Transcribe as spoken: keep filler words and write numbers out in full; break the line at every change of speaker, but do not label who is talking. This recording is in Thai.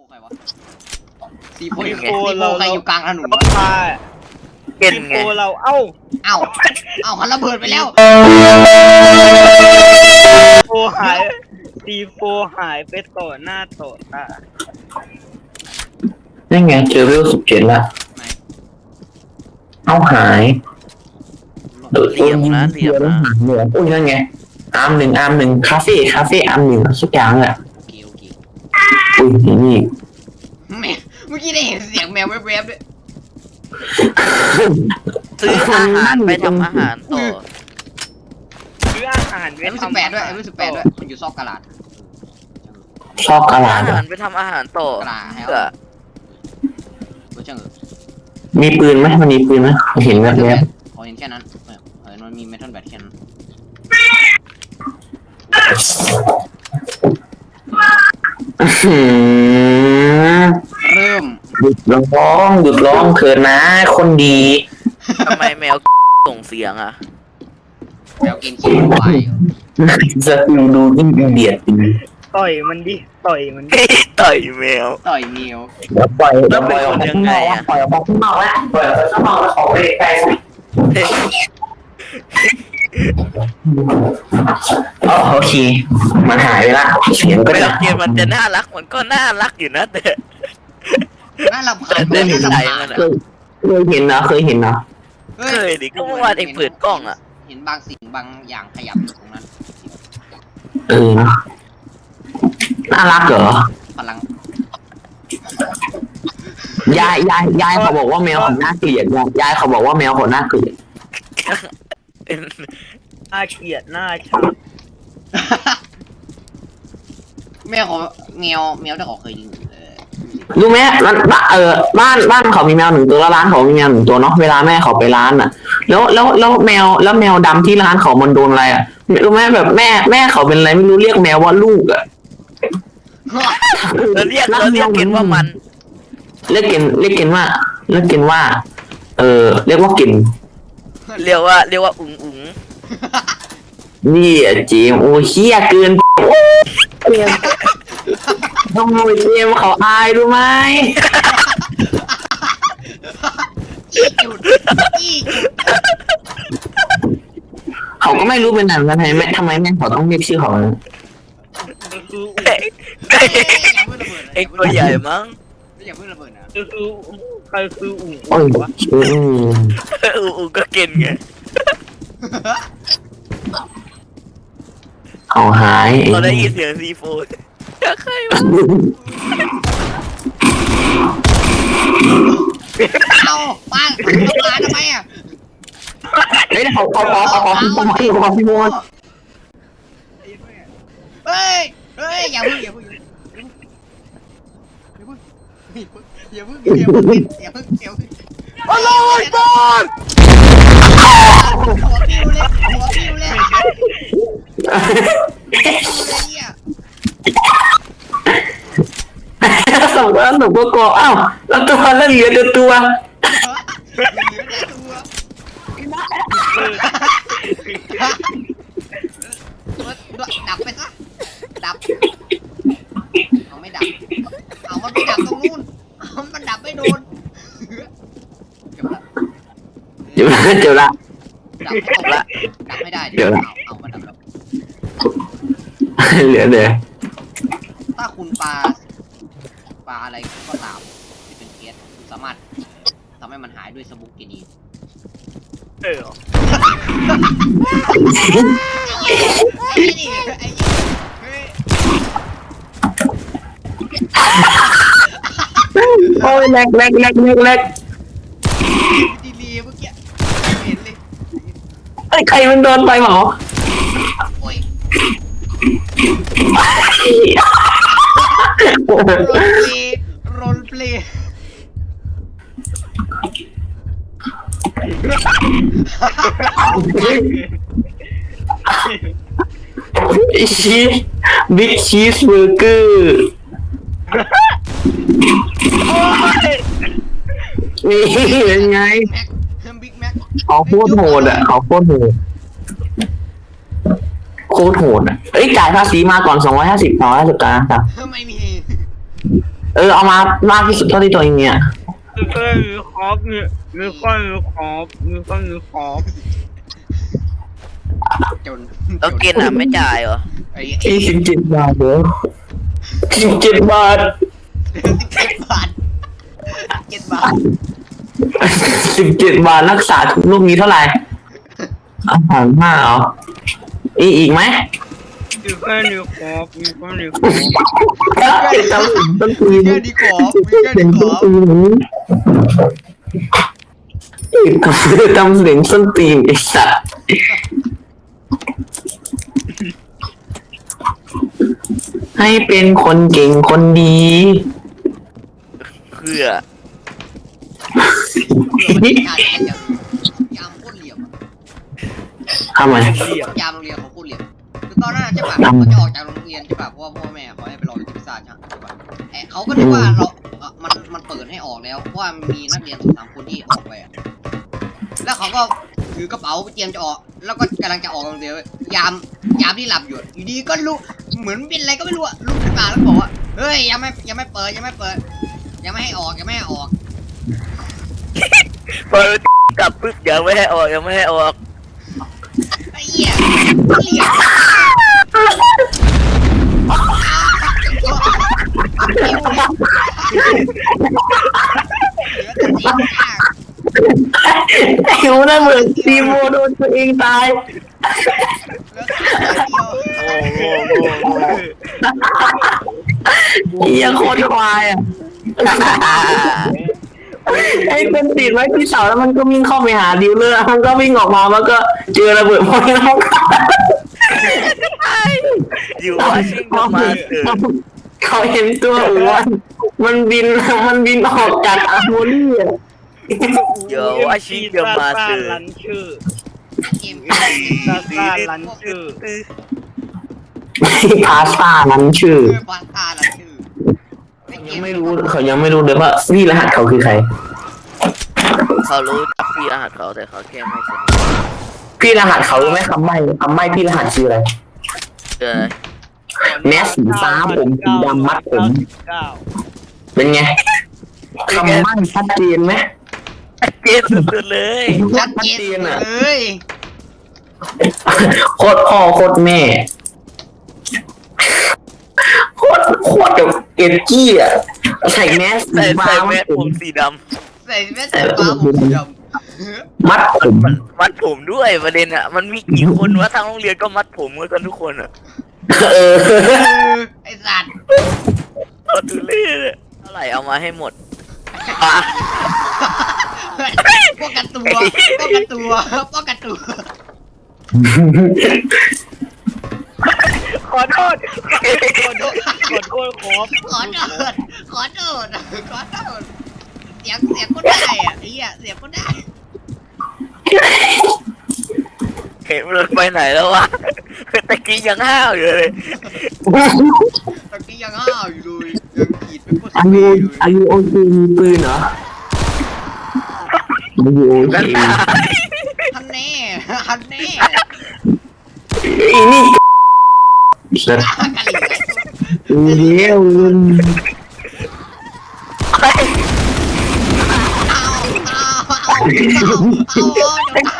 ใครวะซีโฟอยู่ซีโฟใครอยู่กลางถนนวะ
เก่นไงเราเอ้า
เอ้าเอ้ามันระเบิดไปแล้ว
โฟหายซีโฟหายไปต่อหน้าต่อตา
นี่ไงเจอเวลสิบเจ็ดแล้วเอาหายโดดต้นนะเดียวแล้วหายเหนืออุ้ยนั่นไงอาร์มหนึ่งอาร์มหนึ่งคาเฟ่คาเฟ่อาร์มหนึ่งสักอย่างอ่ะ
โอเคโอเค
อุ้ยนี่
แมวเมื่อกี้ได้เห็นเสียงแมวแวบๆด้วย
ซื้ออาหารไปทำอาหารต่อ
ซื้ออาหารไป
ไอ้รู้สึกแปดด้วยไอ้รู้สึกแปดด้วยมันอยู่ซอกกระดาษ
ชอบกระดาษ
อาหารไปทำอาหารต่อเพื่อ
มีปืนไหมมันมีปืนไหมเห็นแบบนี้
ขอเห็นแค่นั้นเออมันมีเมทัลแบตแค่นั้นเริ่ม
หยุดร้องหยุดร้องเถิดนะคนดี
ทำไมแมวส่งเสียงอ่ะ
แมวกินขี้ควาย
จะดูดูยิ่งเบียดจริง
ต่อยมันดิต่อยมัน
ต่อยแมว
ต่อยแมว
แล้วปล่อยแล้วปล่อยออกข้างนอกปล่อยออกข้างนอกแล้วปล่อยออกข้างนอกแล้วขอไปใกล้โอเคมันหายไปละเสียงก็
แมวเกมมันจะน่ารักมันก็น่ารักอยู่นะแต่
น่าลำคาญ
เดินเห็นใจมัน
เคยเห็นนะเคยเห็นนะ
เคยดิก็เมื่อวานเองเปิดกล้องอ่ะ
เห็นบางสิ่งบางอย่างขยับอยู่ตรงนั้น
เออน่ารักเหรอ
พลัง
ยายยายยายเขาบอกว่าแมวเขาน่าเกลียดยายเขาบอกว่าแมวเขาน่าเกลียด
น่าเกลียดน่าชัง
แมวเขาแมวแมวที่เขาเคยยิง
รู้ไหมร้านเออบ้านบ้านเขามีแมวหนึ่งตัวแล้วร้านเขามีแมวหนึ่งตัวเนาะเวลาแม่เขาไปร้านอ่ะแล้วแล้วแล้วแมวแล้วแมวดำที่ร้านเขามันโดนอะไรอ่ะรู้ไหมแบบแม่แม่เขาเป็นอะไรไม่รู้เรียกแมวว่าลูกอ่ะ
เราเรียกเราเรียกกินว่ามัน
เรียกกินเรียกกินว่าเรียกกินว่าเออเรียกว่ากิน
เรียกว่าเรียกว่าอุ๋งอุ๋ง
นี่อ่ะเจมโอ้เฮี้ยเกินต้องมวยเจมเขาอายรู้ไหมเขาก็ไม่รู้เป็นอะไรทำไมแม่ทำไมแม่เขาต้องเรียกชื่อเขา
ไอ้ตัวใหญ่มั้ง
อย่าเพิ่งระเบิดนะ
คือใครคืออู๋วะ
อู๋ก็เก่งไง
เขาหาย
เราได้ยินเสียงซีโฟนใครวะ
เอาปังปังทำไมอ่ะ
เฮ้ยเขาเขาเขาเขาเขาพี่โมพี่เขาพี่โม
เฮ้ยเฮ้ยอย่าเพิ่งอย่าเพิ่งอย่าเพิ่งอย่าเพิ่งอย่าเพิ่งอย่าเพิ่งอย่าเพิ่งโอ้ยบอลหัวปิ้วเลยหัวปิ้วเลย
สองตัวสองตัวกออ้าวแล้วตัวแล้วเหลือตัวตัว
ดับไปซะดับเอาไม่ดับเอามันไปดับตรงนู้นมันดับไม่โดน
เดี๋ยวละเดี๋ยวละ
ดับไม่ตกละดับไม่ได้เดี๋ยวเอามาดับแล้ว
เหลือเลย
ถ้าคุณปลาปลาอะไรก็ตามที่เป็นเกสสามารถทำให้มันหายด้วยสบุกกินี
เออ
ไอ้นี่ไอ้
โอ้ยแรกแรกแรกแรกแรก
ดีลีเมื่อกี้เห็นเลย
ไอ้ใครมันโดนไปหรอ
โอ้ยโรลเพลย์
ชีสบิ๊กชีสเบอร์เกอร์นี่เป็นไงเขาโคตรโหดอ่ะเขาโคตรโหดโคตรโหดอ่ะเอ้ยจ่ายภาษีมาก่อนสองร้อยห้าสิบสองร้อยห้าสิบกันนะครับ
ไม่มี
เออเอามามากที่สุดเท่าที่ตัวเองเนี่ย
มีเพื่อนมีครอบมีมีคนมีครอบมีคนมีครอบ
จน
ต้องกินอ่ะไม่จ่ายเหรอ
ไอ้
ยี่สิบเจ็ดบาทเด้อสิบเจ็ดบาท
สิบเจ็ดบาทเจ็ดบาท
สิบเจ็ดบาทรักษาทุกลูกนี้เท่าไหร่อาหารห้าเหรออีกอีกไหม
มีเพื่อนมีครอบมีคนมีครอบ
จำสินต้นปี
มีแค่ดีขอบมีแค่ดีขอบ
จำเสียงส้นตีนไอ้สัตว์ให้เป็นคนเก่งคนดี
เพื่อ
ยามโคตรเหลี่ยม
ทำไม
ยามโรงเรียนเขาโคตรเหลี่ยมคือตอนนั้นใช่ป่ะเขาจะออกจากโรงเรียนใช่ป่ะเพราะว่าพ่อแม่เขาให้ไปรออยู่ที่พิซซ่าใช่ป่ะแอบเขาก็นึกว่าเรามันมันเปิดให้ออกแล้วเพราะว่ามีนักเรียนสองสามคนที่ออกไปอ่ะแล้วเขาก็ถือกระเป๋าเตรียมจะออกแล้วก็กำลังจะออกโรงเรียนยามยามที่หลับอยู่อยู่ดีก็ลุกเหมือนเป็นอะไรก็ไม่รู้อะลุกขึ้นมาแล้วบอกว่าเฮ้ยยังไม่ยังไม่เปิดยังไม่เปิดยังไม่ให้ออกยังไม่ให้ออก
พอกลับปึ๊บยังไม่ให้ออกยังไม่ให้ออก
ไอ้เหี้ยเหลี่ยม
ไอ้หูน่าเหมือนซีโมโดนตัวเองตาย
โอ้โหโอ้โห
เหี้ยังโคตรควายอ่ะไอ้เป็นติดไว้ที่เสาแล้วมันก็วิ่งเข้าไปหาดิวเลอร์มันก็วิ่งออกมามันก็เจอระเบิดพวกนี้แล้ว
อยู่ว่าชิงก็มาเถอะ
เขาเห็นตัวอ้วนมันบินมันบินออกจากอาร์โมนี่อ่ะ
เดี๋ยวว่าชิงก็มาเถอะ
ลันชื่อ
เกม
ซาซาลันชื่อ
พาสต้านั้นชื่อ
เพื่อปาตาละชื่อ
ยังไม่รู้เขายังไม่รู้เลยว่านี่รหัสเขาคือใคร
เขารู้จักพี่รหัสเขาแต่เขาแค่ไม่สนิท
พี่รหัสเขารู้ไหมคำใบ้คำใบ้พี่รหัสชื่ออะไร
เออ
แมสสีฟ้าผมสีดำมัดผม
เก้า
เป็นไงคำใบ้ชัดเจนไหม
เกลียดสุดๆเลย
ชัดเจนเลย
โคตรพ่อโคตรแม่โคตรโคตรแบบเอ็ดกี้อ่ะใส่แมสสี
ใส่
ฟ้า
ใส่แม
มั
ส
ดผ
ผม มสีด
ใส่แว่นสีฟ้าผมสีดำ
มัดผม
ำมัดผมด้วยประเด็นอ่ะมันมีกี่คนวะทางโรงเรียนก็มัดผมกันทุกคนอ่ะ
เออ
ไอ้สัตว์
โคตรทุเรศอะเท่าไหร่เอามาให้หมดอ่ะ
ป้องกันตัวป้องกันตัวป้องกันตัว
ขอโทษขอโทษขอโทษขอ
ขอโทษขอโทษขอโทษเสียงเสียงก็ได้อ่ะไอ้เหี้ยเสียงก็ได้
เห็นมันไปไหนแล้ววะตะกี้ยังห้าวอยู่เลย
ตะกี้ยังห้าวอยู่เลยยังขีดเป็นโคตร
อา
เท่
ยุ
อยู่
อายุโอเคมีปืนเหรออายุโอเค
นั่นน่ะ
ฮันแน่ฮันแน่
อีนี่สัตว์
กันเหลือ
เลี้ยว
เอาเอาเอาเอาเอา